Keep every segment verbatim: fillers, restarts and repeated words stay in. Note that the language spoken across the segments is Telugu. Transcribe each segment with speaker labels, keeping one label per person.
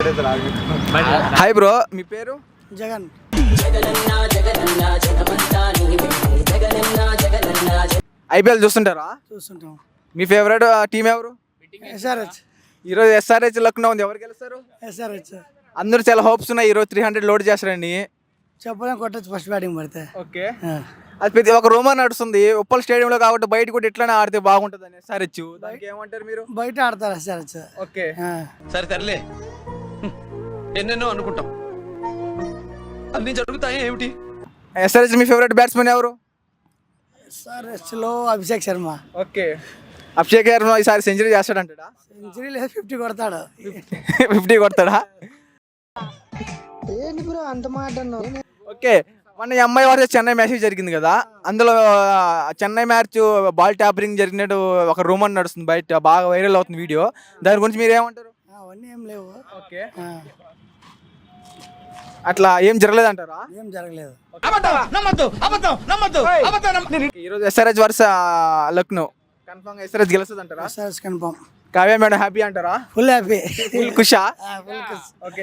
Speaker 1: హాయ్ బ్రో, మీ పేరు?
Speaker 2: జగన్.
Speaker 1: ఐపీఎల్ చూస్తుంటారా?
Speaker 2: చూస్తుంటాం.
Speaker 1: మీ ఫేవరెట్ టీం ఎవరు?
Speaker 2: ఎస్ఆర్హెచ్.
Speaker 1: ఈరోజు ఎస్ఆర్హెచ్ లక్నో ఉంది, ఎవరు గెలుస్తారు?
Speaker 2: ఎస్ఆర్హెచ్.
Speaker 1: అందరూ చాలా హోప్స్ ఉన్నాయి ఈరోజు త్రీ హండ్రెడ్ లోడ్ చేస్తారని.
Speaker 2: చెప్పలేం, కొట్టచ్చు ఫస్ట్ బ్యాటింగ్ పడితే.
Speaker 1: ఓకే, అది ప్రతి ఒక రూమర్ నడుస్తుంది ఉప్పల్ స్టేడియంలో కాబట్టి బయట కూడా ఇట్లానే ఆడితే బాగుంటుంది అని ఎస్ఆర్హెచ్. దానికి ఏమంటారు మీరు?
Speaker 2: బయట ఆడతారు ఎస్ఆర్హెచ్.
Speaker 1: ఓకే,
Speaker 3: సరే తరలే, ఎన్నెన్నో అనుకుంటాం, అన్ని జరుగుతాయి ఏమిటి?
Speaker 1: ఎస్ఆర్హెచ్ మీ ఫేవరెట్ బ్యాట్స్మెన్ ఎవరు?
Speaker 2: ఎస్ఆర్హెచ్ లో అభిషేక్ శర్మ.
Speaker 1: ఓకే, అభిషేక్ శర్మ ఈసారి సెంచరీ చేస్తాడంటాడా?
Speaker 2: సెంచరీ లేదా ఫిఫ్టీ కొడతాడు.
Speaker 1: ఫిఫ్టీ కొడతాడా?
Speaker 2: ఏంటి బ్రో అంత మాట అన్నావు?
Speaker 1: ఓకే, మొన్న ఈ అమ్మాయి వర్సెస్ చెన్నై మ్యాచ్ జరిగింది కదా, అందులో చెన్నై మ్యాచ్ బాల్ ట్యాపరింగ్ జరిగినట్టు ఒక రూమర్ నడుస్తుంది బయట, బాగా వైరల్ అవుతుంది వీడియో. దాని గురించి మీరు ఏమంటారు?
Speaker 2: అవన్నీ ఏం లేవు.
Speaker 1: ఓకే, అట్లా ఏం జరగలేదంటారా?
Speaker 2: ఏం జరగలేదు.
Speaker 1: ఈరోజు SRH versus Lucknow confirm SRH గెలుస్తుంది అంటారా?
Speaker 2: SRH confirm.
Speaker 1: Kavya madam happy అంటారా?
Speaker 2: Full happy.
Speaker 1: ఫుల్ ఖుషా?
Speaker 2: ఫుల్ ఖుష్.
Speaker 1: Okay,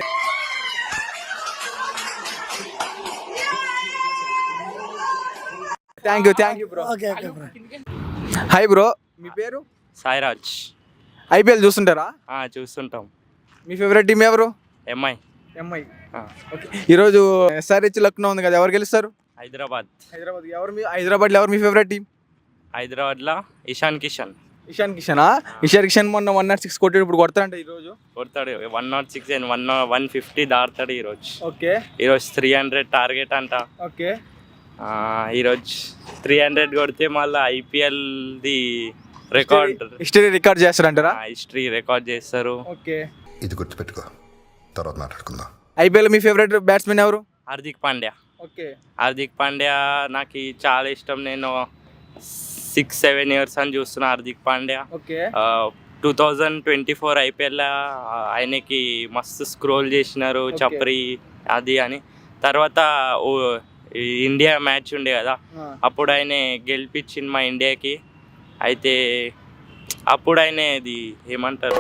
Speaker 1: thank you thank you bro.
Speaker 2: Okay okay bro.
Speaker 1: Hi bro, మీ పేరు?
Speaker 4: సాయిరాజ్.
Speaker 1: ఐపీఎల్ చూస్తుంటారా?
Speaker 4: చూస్తుంటాం.
Speaker 1: మీ ఫేవరెట్ టీం ఎవరు?
Speaker 4: ఎంఐ.
Speaker 1: ఎంఐ. ఓకే, ఈరోజు ఎస్ఆర్హెచ్ లక్నో ఉంది కదా, ఎవరు గెలుస్తారు?
Speaker 4: హైదరాబాద్.
Speaker 1: హైదరాబాద్. ఎవరు మీ హైదరాబాద్లో ఎవరు మీ ఫేవరెట్ టీం?
Speaker 4: హైదరాబాద్లో ఇషాన్ కిషన్.
Speaker 1: ఇషాన్ కిషనా? ఇషాన్ కిషన్ మొన్న వన్ నాట్ సిక్స్ కొట్టాడు, ఇప్పుడు కొడతాడంట ఈరోజు.
Speaker 4: కొడతాడు one not six and one one fifty దాడతాడు ఈరోజు.
Speaker 1: ఓకే,
Speaker 4: ఈరోజు త్రీ హండ్రెడ్ టార్గెట్ అంట.
Speaker 1: ఓకే,
Speaker 4: ఈరోజు త్రీ హండ్రెడ్ కొడితే మళ్ళీ ఐపీఎల్ది రికార్డ్
Speaker 1: హిస్టరీ రికార్డ్ చేస్తారంటారా?
Speaker 4: హిస్టరీ రికార్డ్ చేస్తారు.
Speaker 1: ఓకే,
Speaker 5: ఇది గుర్తుపెట్టుకో, తర్వాత మాట్లాడుకుందాం.
Speaker 1: ఐపీఎల్ మీ ఫేవరెట్ బ్యాట్స్మెన్ ఎవరు?
Speaker 4: హార్దిక్ పాండ్యా.
Speaker 1: ఓకే,
Speaker 4: హార్దిక్ పాండ్యా నాకు చాలా ఇష్టం. నేను సిక్స్ సెవెన్ ఇయర్స్ అని చూస్తున్నా Hardik Pandya.
Speaker 1: Okay,
Speaker 4: two thousand twenty four IPL ఆయనకి మస్తు స్క్రోల్ చేసినారు చప్రి అది అని. తర్వాత ఇండియా మ్యాచ్ ఉండే కదా, అప్పుడు ఆయన గెలిపించింది మా ఇండియాకి. అయితే అప్పుడు ఆయన ఇది ఏమంటారు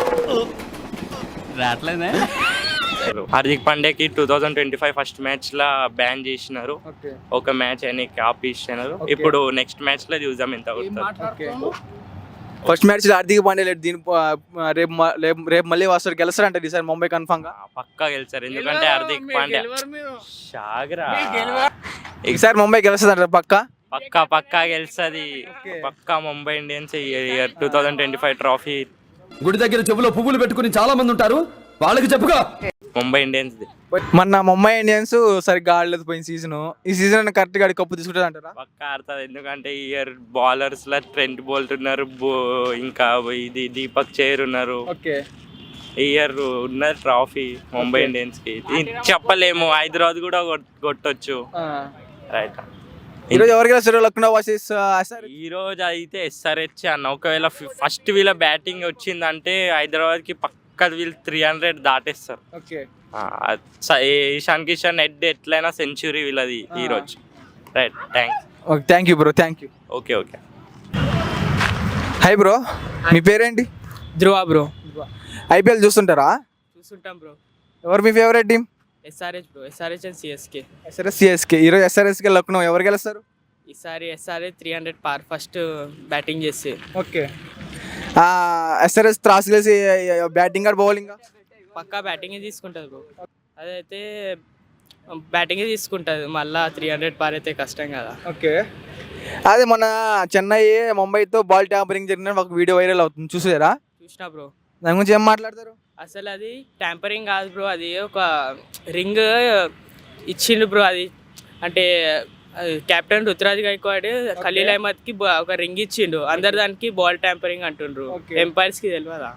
Speaker 4: హార్దిక్ పాండ్యాకి two thousand twenty five first match లా బ్యాన్ చేసినారు. ఒక మ్యాచ్ ఆయనకి ఆపిస్తున్నారు. ఇప్పుడు నెక్స్ట్ మ్యాచ్ లో చూద్దాం ఎంత కొడతారు.
Speaker 1: ఫస్ట్ మ్యాచ్ హార్దిక్ పాండ్యా లేడు, దీని రేపు రేపు మళ్ళీ వస్తారు, గెలుస్తారంట ఈసారి ముంబై కన్ఫర్మ్ గా.
Speaker 4: పక్కా గెలుస్తారు, ఎందుకంటే హార్దిక్ పాండ్యా షాగరా
Speaker 1: ఈసారి ముంబై గెలుస్తుంది పక్కా.
Speaker 4: పక్కా పక్కా గెలుస్తుంది, పక్కా Mumbai Indians year two thousand twenty five trophy.
Speaker 3: గుడి దగ్గర చెవులో పువ్వులు పెట్టుకుని చాలా మంది ఉంటారు, వాళ్ళకి చెప్పుకో.
Speaker 4: ముంబై ఇండియన్స్
Speaker 1: మొన్న ముంబై ఇండియన్స్ సరిగ్గా ఆడలేదు పోయిన సీజన్. ఈ సీజన్ కరెక్ట్ గా కప్పు తీసుకుంటుంది అంటారా?
Speaker 4: పక్కా ఆడుతుంది, ఎందుకంటే ఈ ఇయర్ బౌలర్స్ లా ట్రెంట్ బోల్ట్ ఉన్నారు, ఇంకా ఇది దీపక్ చైర్ ఉన్నారు.
Speaker 1: ఓకే,
Speaker 4: ఈ ఇయర్ ఉన్న ట్రాఫీ ముంబై ఇండియన్స్ కి చెప్పలేము. హైదరాబాద్ కూడా కొట్టొచ్చు. రైట్,
Speaker 1: ఈ రోజు ఎవరు గెలుస్తారు లక్నో వర్సెస్ ఎస్ఆర్హెచ్?
Speaker 4: ఈ రోజు అయితే ఎస్ఆర్హెచ్ అన్న. ఒకవేళ ఫస్ట్ వీళ్ళ బ్యాటింగ్ వచ్చిందంటే హైదరాబాద్ కి పక్క వీళ్ళు త్రీ హండ్రెడ్ దాటేస్తారు.
Speaker 1: ఓకే,
Speaker 4: ఇషాన్ కిషన్ హెడ్ ఎట్లయినా సెంచురీ వీళ్ళది ఈ రోజు. Right, thanks.
Speaker 1: Okay, thank you bro, thank you.
Speaker 4: Okay okay.
Speaker 1: Hi bro, మీ పేరేంటి?
Speaker 6: ధ్రువ బ్రో.
Speaker 1: ఐపీఎల్ చూస్తుంటారా?
Speaker 6: చూస్తుంటాం బ్రో.
Speaker 1: ఎవరు మీ favourite team?
Speaker 6: SRH bro. SRH and CSK.
Speaker 1: SRH CSK. ఈరోజు ఎస్ఆర్హెచ్కి లక్నో ఎవరు గెలుస్తారు?
Speaker 6: ఈసారి SRH three hundred par first batting చేస్తే.
Speaker 1: ఓకే, ఎస్ఆర్హెచ్ త్రాస్ గెలిచి బ్యాటింగ్ ఆర్ బౌలింగ్?
Speaker 6: పక్కా బ్యాటింగే తీసుకుంటుంది బ్రో. అదైతే బ్యాటింగే తీసుకుంటుంది, మళ్ళీ త్రీ హండ్రెడ్ పార్ అయితే కష్టం కదా.
Speaker 1: ఓకే, అదే మన చెన్నై ముంబైతో బాల్ ట్యాంపరింగ్ జరిగిన ఒక వీడియో వైరల్ అవుతుంది, చూసారా?
Speaker 6: చూసినా బ్రో.
Speaker 1: దాని గురించి ఏం మాట్లాడతారు?
Speaker 6: అసలు అది ట్యాంపరింగ్ కాదు బ్రో, అది ఒక రింగ్ ఇచ్చిండు బ్రో. అది అంటే కెప్టెన్ రుతురాజ్ గైక్వాడ్ ఖలీల్ అహ్మద్ కి ఒక రింగ్ ఇచ్చిండు, అందరు దానికి బాల్ ట్యాంపరింగ్ అంటుండ్రు. ఎంపైర్స్ కి తెలియదా?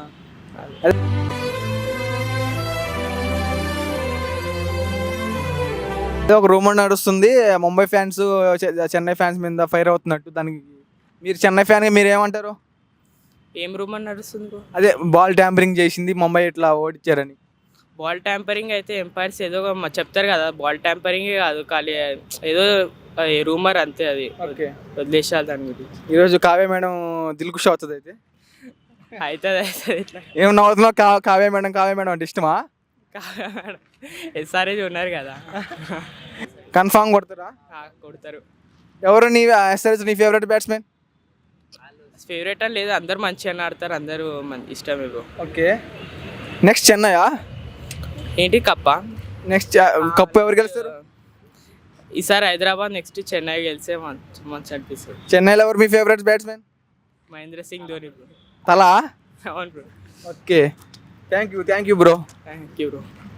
Speaker 1: ఒక రూమర్ నడుస్తుంది ముంబై ఫ్యాన్స్ చెన్నై ఫ్యాన్స్ మీద ఫైర్ అవుతున్నట్టు. దానికి మీరు చెన్నై ఫ్యాన్ మీరు ఏమంటారు?
Speaker 6: ఏం రూమర్ నడుస్తుంది బ్రో?
Speaker 1: అదే బాల్ ట్యాంపరింగ్ చేసింది ముంబై ఇట్లా ఓడిచ్చారని.
Speaker 6: బాల్ ట్యాంపరింగ్ అయితే ఎంపైర్స్ ఏదో చెప్తారు కదా, బాల్ ట్యాంపరింగే కాదు, ఖాళీ ఏదో రూమర్ అంతే, అది వదిలేసాలి దాని గురించి.
Speaker 1: ఈరోజు కావ్య మేడం దిల్కుష్ అవుతుంది అయితే
Speaker 6: అవుతుంది అవుతుంది.
Speaker 1: ఏం నవ్వుతున్నావు? కావ్య మేడం కావ్య మేడం అంటే ఇష్టమా?
Speaker 6: ఎస్ఆర్ఏజ్ ఉన్నారు కదా.
Speaker 1: కన్ఫామ్ కొడతారా?
Speaker 6: ఆ, కొడతారు.
Speaker 1: ఎవరు నీ ఎస్ఆర్హెచ్ నీ ఫేవరెట్ బ్యాట్స్మెన్?
Speaker 6: ఫేవరెట్ అని లేదు, అందరు మంచిగా ఆడతారు, అందరూ మన ఇష్టమే బ్రో.
Speaker 1: Okay, next చెన్నయా?
Speaker 6: ఏంటి కప్ప?
Speaker 1: నెక్స్ట్ కప్పు ఎవరు గెలుస్తారు?
Speaker 6: ఈసారి హైదరాబాద్, నెక్స్ట్ చెన్నై గెలిస్తే మంచి మంచి అనిపిస్తుంది.
Speaker 1: చెన్నైలో ఎవరు మీ favourite batsmen?
Speaker 6: Mahendra Singh Dhoni bro.
Speaker 1: Thala?
Speaker 6: అవును bro.
Speaker 1: Okay, thank you thank you bro.
Speaker 6: Thank you bro.